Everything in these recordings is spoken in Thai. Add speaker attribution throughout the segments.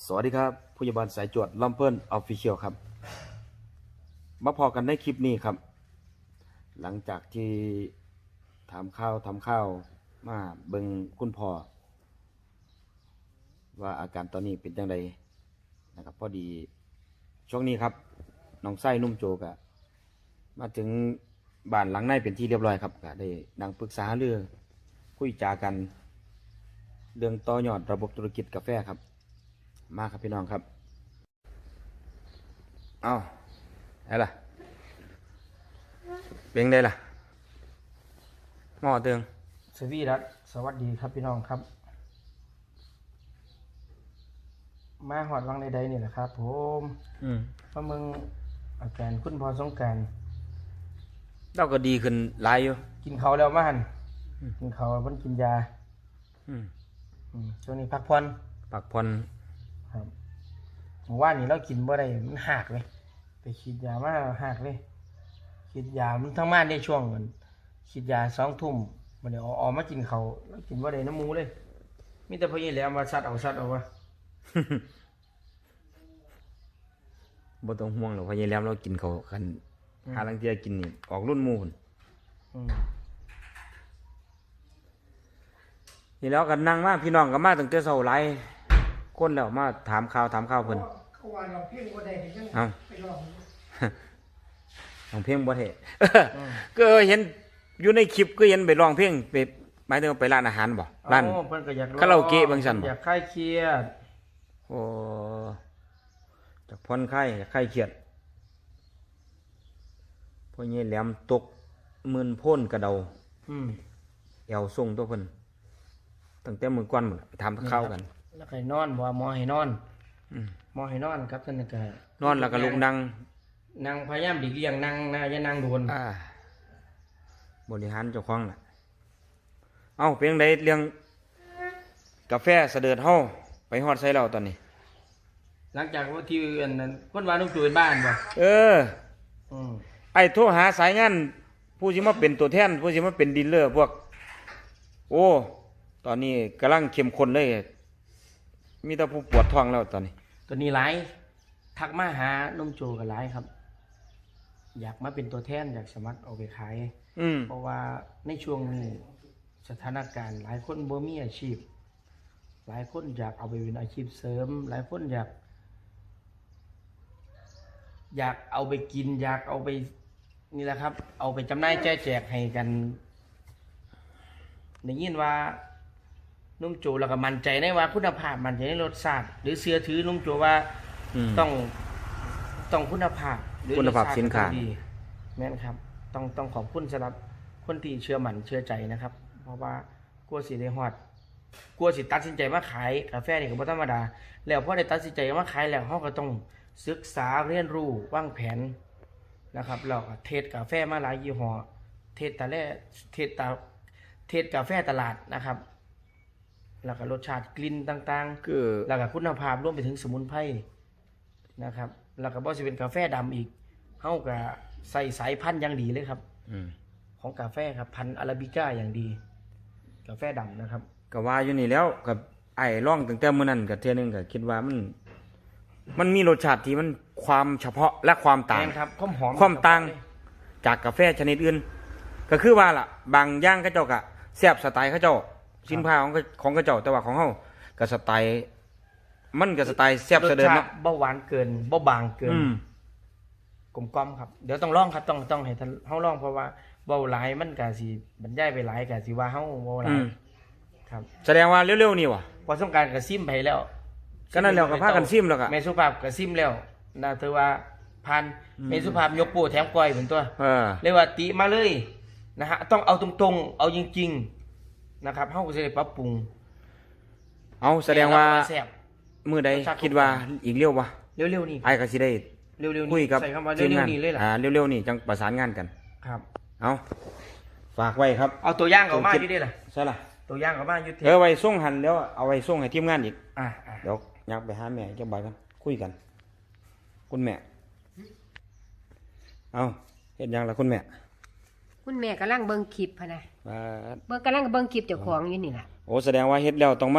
Speaker 1: วัสดีครับผู้ใหญ่บ้านสายจวดลำเพิ่นออฟฟิเชียลครับมาพอกันในคลิปนี้ครับหลังจากที่ทำข้าวมาเบิ่งคุณพ่อว่าอาการตอนนี้เป็นจังไดนะครับพอดีช่วงนี้ครับน้องไส้นุ่มโจกะมาถึงบ้านหลังในเป็นที่เรียบร้อยครับก็ได้นั่งปรึกษาเรื่องคุยจากันเรื่องต่อยอดระบบธุรกิจกาแฟครับมาครับพี่น้องครับเอาอะไรล่ะเป็นไงล่ะหม้อเตือง
Speaker 2: สวีรัตสวัสดีครับพี่น้องครับ มาหอดวังใดๆนี่แหละครับผมเพราะมึงอาการคุณพอสงกรานต์
Speaker 1: เราก็ดีขึ้นหลายอยู่
Speaker 2: กินเขาวแล้วมาหันกินเขาวเพิ่นกินยาช่วงนี้พักผ่อนครับเมื่อวานนี้เรากินบ่ได้มันหักเลยไปฉีดยามาหักเลยฉีดยามันทั้งบ้านได้ช่วงมันฉีดยา2 ทุ่มมันเดี๋ยวออกมากินเขาวแล้วกินบ่ได้น้ำมูเลยมีแต่พอยี่แหล้วมาซัดเอาวะ
Speaker 1: บ่ต้องห่วงหรอกเพราะยายแหลมเรากินเขาวกันหาลังเทียกินนี่ออกรุ่นหมู่พุ่นนี่แล้วก็นั่งมาพี่น้องก็มาตั้งแต่เช้าหลายคนแล้วมาถามข่าวเพิ่น
Speaker 2: เขาว่าเราเพียงบ่ได้จังไปลอง
Speaker 1: ร้องเพลงบ่ได้ ก็เห็นอยู่ในคลิปก็เห็นไปร้องเพลงไปหมายถึงไปร้านอาหารบ่ร้านคาราโอเกะบางซั่นบ่
Speaker 2: อยากคลายเครียด
Speaker 1: โอ้จากผ่อนคลายจากคลายเครียดพ่อใหญ่แหลมตกมื่นโพ่นกระเดาแอวส่งตัวเพิ่นตั้งแต่มื้อก่อนหมดไปถามข้าวกัน
Speaker 2: แล้วใครนอนบ่หมอให้นอนหมอให้นอนครับท่านก็
Speaker 1: นอนแล้วก็ลุกนั่ง
Speaker 2: พยายามหลีกเลี่ยงนั่งนะอย่านั่งโดน
Speaker 1: บริหารเจ้าของน่ะเอ้าเป็นจังไดเรื่องกาแฟเสด็จเฮาไปฮอดไสแล้วตอนนี้
Speaker 2: หลังจากว่าที่อันนั้นคนว่าน้องจูนบ้านบ่
Speaker 1: ไอ้โทรหาสายงานผู้สิมาเป็นตัวแทนผู้สิมาเป็นดีลเลอร์พวกโอ้ตอนนี้กำลังเข้มข้นเลยมีแต่ผู้ปวดท้องแล้วตอน
Speaker 2: นี้หลายทักมาหาน้องโจก็หลายครับอยากมาเป็นตัวแทนอยากสมัครเอาไปขายเพราะว่าในช่วงนี้สถานการณ์หลายคนบ่มีอาชีพหลายคนอยากเอาไปเป็นอาชีพเสริมหลายคนอยากเอาไปกินอยากเอาไปนี่แหละครับเอาไปจำหน่ายแจกให้กันได้ยินว่านุ่มโจแล้วก็มั่นใจในว่าคุณภาพมั่นใจในรสชาติหรือเชื่อถือนุ่มโจว่าต้องคุณภาพหรือ
Speaker 1: คุณภาพสินค้า
Speaker 2: แม่นครับต้องขอบคุณสำหรับคนที่เชื่อมั่นเชื่อใจนะครับเพราะว่ากลัวสิได้ฮอดกลัวสิตัดสินใจมาขายกาแฟนี่ก็บ่ธรรมดาแล้วพอได้ตัดสินใจมาขายแล้วเฮาก็ต้องศึกษาเรียนรู้วางแผนนะครับเราก็เทสกาแฟมาหลายยี่ห้อเทสกาแฟตลาดนะครับแล้วก็รสชาติกลิ่นต่างๆคือแล้วก็คุณภาพรวมไปถึงสมุนไพรนะครับแล้วก็บ่สิเป็นกาแฟดำอีกเฮาก็ใส่สายพันธุ์อย่างดีเลยครับของกาแฟครับพันธุ์อาราบิก้าอย่างดีกาแฟดำนะครับ
Speaker 1: ก็ว่าอยู่นี่แล้วกับไอ้ร่องตั้งแต่มื้อนั้นก็เทื่อนึงก็คิดว่ามันมีรสชาติที่มันความเฉพาะและความต่าง
Speaker 2: ครับ
Speaker 1: ความต่างจากกาแฟชนิดอื่นก็คือว่าล่ะบางอย่างเขาเจ้าก็แซ่บสไตล์เขาเจ้าสินค้าของเขาเจ้าแต่ว่าของเฮาก็สไตล์มันก็สไตล์แซ่บเสด็จเนาะ
Speaker 2: บ่หวานเกินบ่บางเกินกลมกล่อมครับเดี๋ยวต้องลองครับต้องให้เฮาลองเพราะว่าเว้าหลายมันก็สิบรรยายไปหลายก็สิว่าเฮาเว้าหลายครับ
Speaker 1: แสดงว่าเร็วๆนี่ว่ะ
Speaker 2: พอสงกรานต์ก็ซิมไปแล้ว
Speaker 1: ก็นั่นแล้วก็พากันซิมแล้วก็
Speaker 2: แม่สุภาพก็ซิมแล้วน่าถือว่าผ่านแม่สุภาพยกโป้แถมก้อยเป็นตัวเรียกว่าติมาเลยนะฮะต้องเอาตรงๆเอาจริงๆนะครับเฮาก็สิได้ปรับปรุง
Speaker 1: เอาแสดงว่ามื้อใดคิดว่าอีกเร็วบ่
Speaker 2: เร็วๆนี่
Speaker 1: ไอ้ก็สิได้
Speaker 2: เร็วๆ
Speaker 1: นี่คุยกับ
Speaker 2: ใส่คำว่าเร็วๆนี่เลยล่ะ
Speaker 1: เร็วๆนี่จังประสานงานกัน
Speaker 2: ครับ
Speaker 1: เอาฝากไว้ครับ
Speaker 2: เอาตัวอย่างออกมาอยู่ดิล่ะ
Speaker 1: ใช่ล่ะ
Speaker 2: ตัวอย่างออกมาอยู่
Speaker 1: ไว้ส่งหันแล้วเอาไว้ส่งให้ทีมงานอีกเดี๋ยวยักไปหาแม่จังบ่ายกันคุยกันคุณแม่เอาเฮ็ดยังล่ะคุณแม่
Speaker 3: กำลังเบิ่งคลิปพะนะกำลังเบิ่งคลิปเจ้าของอยู่นี่ล่ะ
Speaker 1: โอ้แสดงว่าเฮ็ดแล้วต้องมา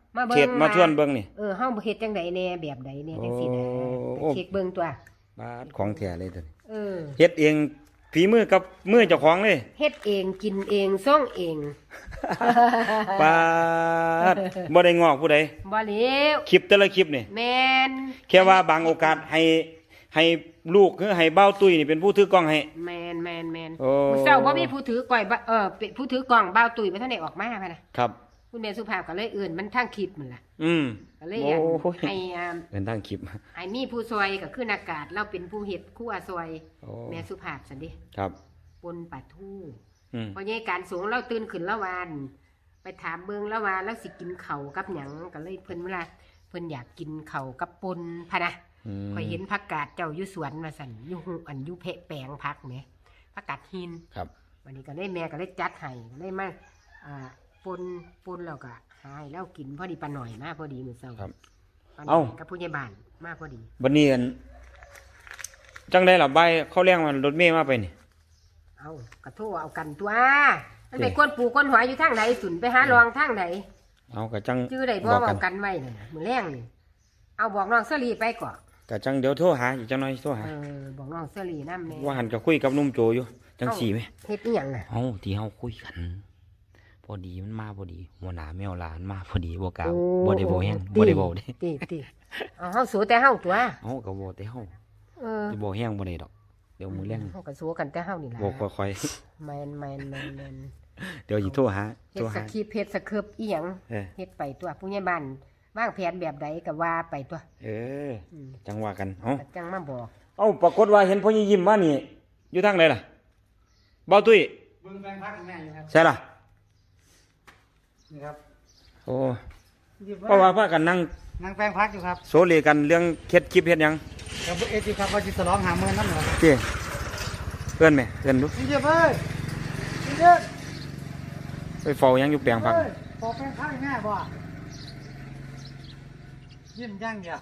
Speaker 3: มาเบิ่ง
Speaker 1: เขตมาทวนเบิ่งนี่
Speaker 3: เฮาเฮ็ดจังไดแน่แบบใดแน่จังซี่นะ
Speaker 1: โอ้
Speaker 3: เช็คเบิ่งตัว
Speaker 1: บาดของแท้เลยตัวนี้
Speaker 3: เออ
Speaker 1: เฮ็ดเองฝีมือกับมือเจ้าของเลย
Speaker 3: เฮ็ดเองกินเองส่งเอง
Speaker 1: ปาดบ่ได้งอกผู้ใด
Speaker 3: บ่เหลียว
Speaker 1: คลิปแต่ละคลิปนี่
Speaker 3: แม่น
Speaker 1: แค่ว่าบางโอกาสให้ลูกคือให้เบ้าตุ้ยนี่เป็นผู้ถือกล้องให้
Speaker 3: แม่นแม่นแม่น
Speaker 1: โอ้
Speaker 3: มื้อเช้าบ่มีผู้ถือกล้อยเป็นผู้ถือกล้องบ่าวตุ้ยบ่ทันได้ออกมาพะนะครับ คุณแม่สุภาพก็เลยเอิ้นมันทางคลิปมันล่ะ
Speaker 1: อืม
Speaker 3: ก็เลย
Speaker 1: โอ้ย
Speaker 3: ให้
Speaker 1: เป็นทางคลิป
Speaker 3: ให้มีผู้ซอยก็คืออากาศเราเป็นผู้เฮ็ดครัวซอย
Speaker 1: โอ้
Speaker 3: แม่สุภาพซั่นเด้
Speaker 1: ครับ
Speaker 3: ปนปลาทู
Speaker 1: อืม
Speaker 3: พอใหญ่การสูงเราตื่นขึ้นละวานไปถามเบิ่งละวานแล้วสิกินข้าวกับหยังก็เลยเพิ่นเวลาเพิ่นอยากกินข้าวกับปนพะนะ
Speaker 1: อืม
Speaker 3: ข่อยเห็นผักกาดเจ้าอยู่สวนมาสั่นอยู่หูอันอยู่เพะแปลงผักแหมผักกาดหิน
Speaker 1: ครับ
Speaker 3: วันนี้ก็เลยแม่ก็เลยจัดให้ก็เลยมาปนแล้วก็หาให้เรากินพอดีปลาหน่อยมาพอดีมื้อเช้า
Speaker 1: ครับ
Speaker 3: ปลาหน่
Speaker 1: เอ้า
Speaker 3: อยกับผู้ใหญ่บ้านมาพอดี
Speaker 1: บัดนี้จังได้ล่ะใบเขาเลี้ยงมันรถเมย์มาไปนี่
Speaker 3: เอากระโทษเอากันตัวมันไปก้นปูก้นหัวอยู่ทางไหนสุนไปหารองทางไหน
Speaker 1: เอากะจัง
Speaker 3: ชื่อใดบ่
Speaker 1: บอก
Speaker 3: เอากันไว้น่ะมื้อแรงนี่เอาบอกน้องเสลีไปก่อน
Speaker 1: กะจังเดี๋ยวโทรหาอีกจังหน่อยโทรหา
Speaker 3: บอกน้องเสลีนำแม่
Speaker 1: ว่าหันก็คุยกับหนุ่มโจอยู่จังสี่ไหม
Speaker 3: เฮ็ดอีหยังน่ะ
Speaker 1: เฮาที่เฮาคุยกัน พอดีมันมาพอดีหัวหน้าแมวหลานมาพอดีบ่กล้าบ่ได้บ่แฮงบ่ได้บ่เด้
Speaker 3: ติเอาเฮาสู้แต่เฮาตัว
Speaker 1: เฮาก็บ่แต่เฮา
Speaker 3: เออ
Speaker 1: สิบ่แฮงบ่ได้ดอกเดี๋ยวมื้อแรง
Speaker 3: เฮาก็สู้กันแต่เฮานี่ล่ะ
Speaker 1: บ่ค่อย
Speaker 3: แม่น
Speaker 1: ๆเดี๋ยวสิโทรหา
Speaker 3: เฮ็
Speaker 1: โทร
Speaker 3: ดส
Speaker 1: หา
Speaker 3: คริปต์เฮ็ดสคริปต์อีหยัง
Speaker 1: เออ
Speaker 3: เฮ็ดไปตัวผู้ใหญ่บ้านวางแผนแบบใดก็ว่าไปตัว
Speaker 1: เออ
Speaker 3: อืม
Speaker 1: จังว่ากันเอ้า
Speaker 3: ก็จังมาบอก
Speaker 1: เอ้าปรากฏว่าเห็นพ่อยิ้มมานี่ อยู่ทางไหนล่ะเบาตุ้ย
Speaker 2: เบิ่งแปลงผักแม่อยู่ครับ
Speaker 1: ใช่ล่ะ
Speaker 2: นี่ครับ
Speaker 1: โอ้เพราะว่าพากันนั่ง
Speaker 2: นั่งแปลงผักอยู่ครับ
Speaker 1: โซเลกันเรื่องเฮ็ดคลิปเฮ็ดหยัง
Speaker 2: ครับเอจิครับว่าสิฉลอง50,000นำเหรอ
Speaker 1: เจ้เพื่อนไหมเพื่อนดู
Speaker 2: พี่เจี๊ยบเอ้ยพี่เจี๊ยบ
Speaker 1: ไปเฝ้าหยังอยู่แปลงผัก
Speaker 2: เอ้ยขอแปลงผักให้แม่บ่ยิ้มอย่างเดียว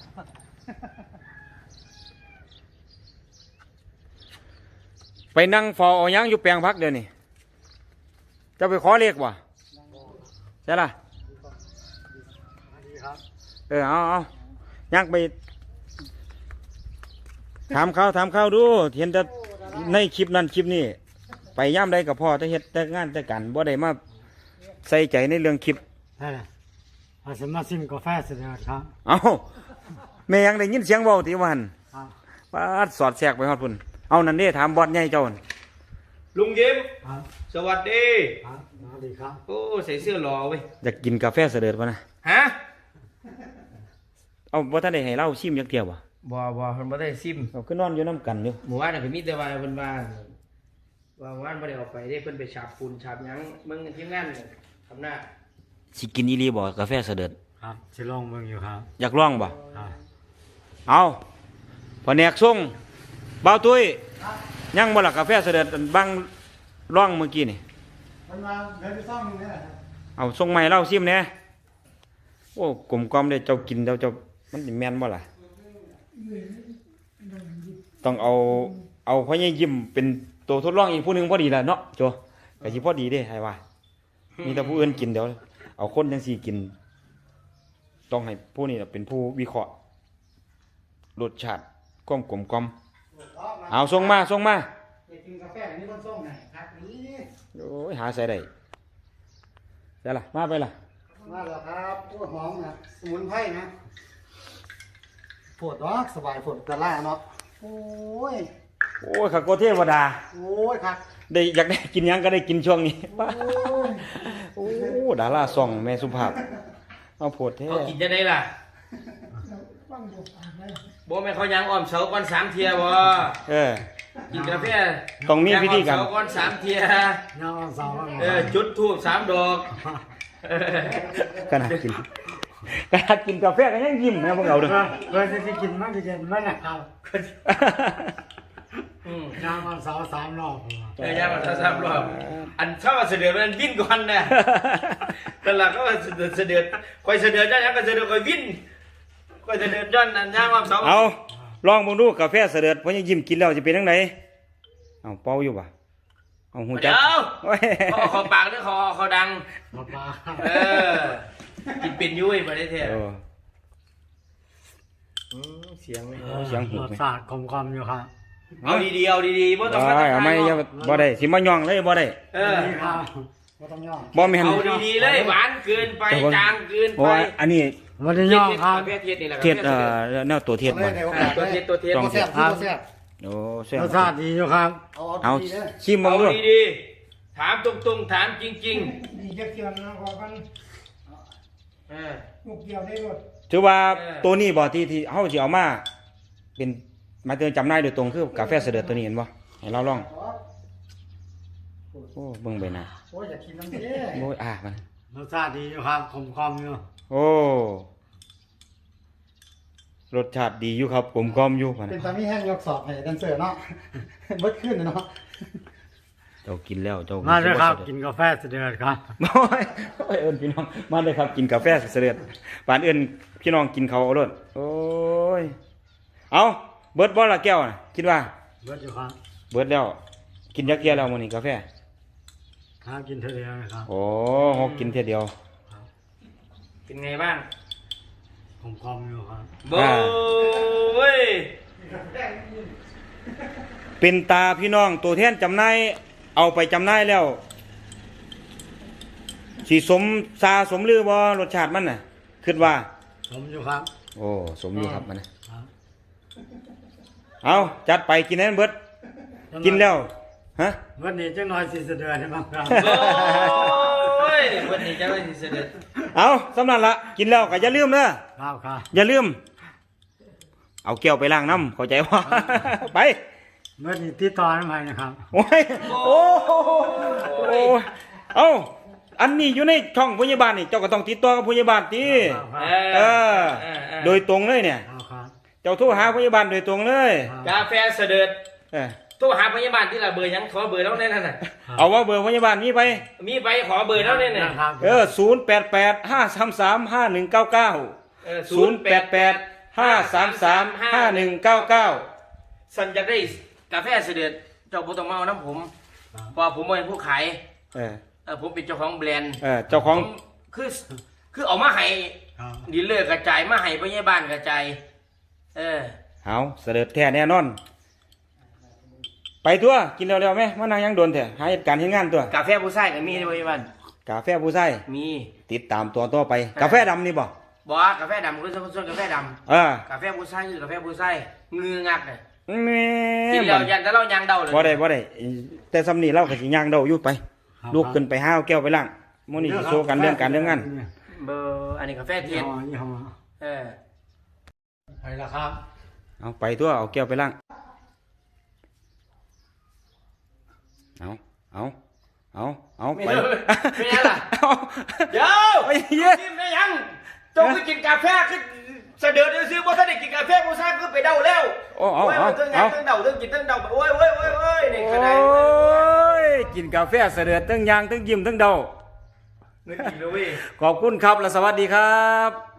Speaker 1: ไปนั่งเฝ้าเอาหยังอยู่แปลงผักเดี๋ยวนี้จะไปขอเลขบ่ใช่ล่ะ
Speaker 2: ดีครับ
Speaker 1: เอายักไปถามเขาดูเห็นแต่ในคลิปนั้นคลิปนี้ไปย่ำใดกับพ่อแต่เฮ็ดแต่งานแต่กันบ่ได้มาใส่ใจในเรื่องคลิป
Speaker 4: ได้เลยอาสมาซิมกาแฟเสด็จครับ
Speaker 1: เอาแม่ยังได้ยินเสียงเบาที่ว่าหัน
Speaker 4: ครับ
Speaker 1: ปาดสอดแทรกไปฮอดพุ่นเอานั่นเด้ถามบอสใหญ่เจ้าหั่น
Speaker 2: ลุงยิ้ม
Speaker 4: ครับ
Speaker 2: สวัสดี
Speaker 4: ครับสวัสดีครับ
Speaker 2: โอ้ใส่เสื้อหล่อเว้ย
Speaker 1: อยากกินกาแฟเสด็จป่ะนะ
Speaker 2: ฮะ
Speaker 1: เอาบ่ทันได้ให้เล่าชิมจักเที่ยวบ่
Speaker 2: บ่เพิ่นบ่ได้ซิม
Speaker 1: เอาคือนอนอยู่น้ำกันอยู่
Speaker 2: หมู่บ้านน่ะก็มีแต่ว่าเพิ่นว่าว่านบ่ได้ออกไปได้เพิ่นไปฉาบปูนฉาบหยังมึงทีมงานเนี่ยทำหน้า
Speaker 1: สิกินอีหลีบ่กาแฟเสด็จ
Speaker 4: ครับสิลองเบิ่งอยู่ครับ
Speaker 1: อยากลองบ่
Speaker 4: ครับ
Speaker 1: เอาพอแนกส่งเบาตุ้ยยังบ่ล่ะกาแฟเสด็จอันบังร่องเมื่อกี้นี่
Speaker 4: มันมาเดินไปซ่อมนี่แหละครับ
Speaker 1: เอาส่งใหม่เล่าซิมแหน่โอ้กลมกล่อมเด้เจ้ากินเจ้ามันสิแม่นบ่ล่ะต้องเอาพ่อใหญ่ยิ้มเป็นตัวทดลองอีกผู้หนึงพอดีล่ะเนาะโจก็สิพอดีเด้ให้ว่า มีแต่ผู้อื่นกินเดี๋ยวเอาคนจังสี่กิน ต้องให้ผู้นี้เป็นผู้วิเคราะห์รสชาติความกลมกล่อมเอาส่งมา
Speaker 2: ไปกินกาแฟนี่มันส่งให้ครับนี่
Speaker 1: โอ้ยหาใส่ได้ใส่ละมาไปละ
Speaker 4: มาแล้วครับโอ้ยหอมนะสมุนไพรนะปวดเนาะสบายปวดตะล่าเนาะโอ้ย
Speaker 1: โอ้ยข้าโกเทวดา
Speaker 4: โอ้ยครับ
Speaker 1: ได้อยากได้กินหยังก็ได้กินช่วงนี้
Speaker 4: โอ้ย
Speaker 1: โอ้ดาราส่องแม่สุภาพเอาโพดแท้
Speaker 2: เขากินจะได้ล่ะบ่แม่นเขายังอ้อมเสาก่อน3เที่ยบ่
Speaker 1: เออ
Speaker 2: กินกาแฟ
Speaker 1: ต้องมีพิธีกรรม
Speaker 2: ย่างอ้อมเสาก่อน3เที่ย
Speaker 4: น้องสาว
Speaker 2: จุดธูป3ดอกเออ
Speaker 1: ขนาดกินกาแฟก็ยังยิ้มนะพวกเราเด้อ
Speaker 4: เพื่อจะกินมันจะกินมันนะครับ
Speaker 2: อืม
Speaker 4: น้องสาว3 รอบ
Speaker 2: ย่างมา3รอบอันชอบเสด็จมันวิ่นก่อนน่ะแต่ละก็เสด็จค่อยเสด็จได้แล้วก็เสด็จค่อยวิ่นค่อยเสด็จย้อนอันย่างอ้อมเสา
Speaker 1: เอาลองเบิ่งดูกาแฟเสด็จเพราะยังยิ้มกินแล้วจะเป็นจังไดเอาเป่าอยู่บ่เอาหูจั
Speaker 2: เดี๋
Speaker 1: ก
Speaker 2: ยว
Speaker 1: โอ้ย
Speaker 2: เขาปากหรือเขาดัง
Speaker 4: มาปลา
Speaker 2: เออกินเป็นยุ้ยบ่ได้แท้
Speaker 1: เออ
Speaker 2: เสียงไหม
Speaker 1: เสียงหูไหม
Speaker 4: รสชาติกลมๆอยู่ครับ
Speaker 2: เอาดีๆเอาดีๆบ่ต้องมา
Speaker 1: เอาไม่อย่าบ่ได้สิมาย่องเลยบ่ได้
Speaker 2: เออ
Speaker 4: นี่ครับบ่ต้องย่อ
Speaker 1: บ่แม่น
Speaker 2: เอาดีๆเลยหวานเกินไปจางเกิน
Speaker 1: โอ้
Speaker 2: ไป
Speaker 1: ยอันนี้
Speaker 4: บ่ได้ย่อครับ
Speaker 2: กาแฟเทศนี่แหละ
Speaker 1: เทศแนวตัวเทศบ่
Speaker 2: ตัวเทศตัวเทศ
Speaker 1: ต้อง
Speaker 4: บ่แซ่บบ่แซ่บ
Speaker 1: โอ้แซ่บ
Speaker 4: รสชาติดีอยู่ครับ
Speaker 1: เอา
Speaker 4: ดีเลย
Speaker 1: ชิม
Speaker 2: เอา
Speaker 1: บ่ดู
Speaker 2: ดีๆถามตรงๆถามจริง
Speaker 5: ดีจะเกี่ยวนะขอกัน
Speaker 2: ๆเออ
Speaker 5: ลูกเกี่ยวได้หมด
Speaker 1: ถือว่า
Speaker 2: เออ
Speaker 1: ตัวนี้บ่ที่เฮาสิเอามาเป็นหมายถึงจำหน่ายโดยตรงคือกาแฟเสด็จตัวนี้เห็นบ่ให้เราลองโอ้เบิ่งไปนะ
Speaker 4: โอ้ยอยากกินน้ำเด้
Speaker 1: โอ้ยมัน
Speaker 4: รสชาติดีอยู่ครับกลมๆอยู่
Speaker 1: โอ้รสชาติดีอยู่ครับกลมกล่อมอยู่พะ
Speaker 4: เป็น
Speaker 1: นะ
Speaker 4: ตามีแห้งยกสอบให้แดนเซอร์เนาะ เบิดขึ้นเลยเนาะ
Speaker 1: เจ้ากินแล้วเจ้า
Speaker 4: มาเลยครับ
Speaker 1: สิ
Speaker 4: กินกาแฟเสด็จครับ
Speaker 1: โอ้ยโอ้ยเอิ้นพี่น้องมาเลยครับกินกาแฟเสด็จปานเอิ้นพี่น้องกินเขาวเอาโลดโอ้ยเอาเบิดบ่ละแก้วน่ะคิดว่า
Speaker 4: เบิดอยู่ครับ
Speaker 1: เบิดแล้ว กินยักเกียแล้วมื้อนี้กาแฟ
Speaker 4: หากินเท่าเดียวนะครับ
Speaker 1: โอ้ฮอกกินเท่ยเดียว
Speaker 2: เป็นไงบ้าง
Speaker 4: กลมๆอยู่ครับ
Speaker 2: โบ้ย
Speaker 1: เป็นตาพี่น้องตัวแทนจำหน่ายเอาไปจำหน่ายแล้วสิสมซาสมลือบ่รสชาติมันน่ะคิดว่า
Speaker 4: ผมอยู่ครับ
Speaker 1: โอ้สมอยู่ครับมันนะครับ เอาจัดไปกินให้มันเบิดกินแล้วฮะ
Speaker 4: วันนี้จังน้อยสิเสด็จให้บ้างครับ
Speaker 2: โอ้ยวันนี้จะไม่สิเสด็จ
Speaker 1: เอาสำนันละกินแล้วก็อย่าลืมเด้อ
Speaker 4: ครับครับ
Speaker 1: อย่าลืม เอาแก้วไปล้างน้ำเข้าใจว่า ไป
Speaker 4: เมื่อนี้ติดต่อทำไมนะครับ
Speaker 1: โอ้ยโอ้โอ้เอาอันนี้อยู่ในช่องพยาบาลนี่เจ้าก็ต้องติดต่อกับพยาบาลติ
Speaker 4: ครับค
Speaker 1: เอ
Speaker 4: รับ
Speaker 1: อ โดยตรงเลยเนี่ย
Speaker 4: ครับครับ
Speaker 1: เจ้าโทรหาพยาบาลโดยตรงเลย
Speaker 2: กาแฟเสด็จ
Speaker 1: เออ
Speaker 2: โทรหาพยาบาลที่ละเบอร์ยังขอเบอร์แล้วแน่นน่ะ
Speaker 1: เอาว่าเบอร์พยาบาลมีไป
Speaker 2: มีไปขอเบอร์แล้วแน่น่ะ
Speaker 4: ครับ
Speaker 1: 088 533 5199 088 533 5199
Speaker 2: สันจะได้กาแฟเสด็จเจ้าบ่ต้องมาเอาน้ำผมเพราะผมเป็นผู้ขาย
Speaker 1: เออ
Speaker 2: ผมเป็นเจ้าของแบรนด์
Speaker 1: เจ้าของ
Speaker 2: ผมคือเอามาให้
Speaker 4: ครับ
Speaker 2: ดีลเลอร์กระจายมาให้พยาบาลกระจายเออ
Speaker 1: เอาเสด็จแท้แน่นอน ไปตัวกินเร็วๆไหมมานั่งยังโดนแท้หาเหตุการณ์เฮ็ดงานตัว
Speaker 2: กาแฟผู้ชายก็มีในพยาบาล
Speaker 1: กาแฟผู้ใส่
Speaker 2: มี
Speaker 1: ติดตามตัวต่อไป กาแฟดำนี่บ่
Speaker 2: บอกกาแฟดำคือส่วนกาแฟด
Speaker 1: เออ
Speaker 2: ำกาแฟผู้ชายคือกาแฟผู้ชายงืองักเลย
Speaker 1: แม่
Speaker 2: กินแล้วยันแต่เรายังเดาเลย
Speaker 1: บ่ได้บ่ได้แต่สำนี้เราก็สิย่างเดาอยู่ไป
Speaker 4: ครับ
Speaker 1: ลูกขึ้นไปห้าวแก้วไปล้างมื้อนี้สิโชว์กันเรื่องการเรื่องงาน
Speaker 2: เบอร์อันนี้กาแฟเที
Speaker 4: ยี่
Speaker 2: ยน
Speaker 4: ห้อยี่ห้อ
Speaker 2: เออ
Speaker 4: ไปแล้วครับ
Speaker 1: เอาไปตัวเอาแก้วไปล้างเอา
Speaker 2: ไม่
Speaker 1: ไป
Speaker 2: ได้ไม่ได้ล่ะ
Speaker 1: เอา
Speaker 2: เดี๋ยว
Speaker 1: ไอ้เหี้ย
Speaker 2: กินได้ยังจงไปกินกาแฟคือเสด็จซื้อบ่ทันได้กินกาแฟผู้ชายคือไปเดาแล้ว
Speaker 1: โอ้เอา
Speaker 2: โอ้ย
Speaker 1: เอา
Speaker 2: เรื่องงา
Speaker 1: เอา
Speaker 2: นเรื่องเดาเรื่องกินเรื่องเดาโอ้ยนี่ขนาด
Speaker 1: โอ้ยกินกาแฟเสด็จทั้งยางทั้งยิ้มทั้งเดา
Speaker 2: เงินกินเลยเว้ย
Speaker 1: ขอบคุณครับและสวัสดีครับ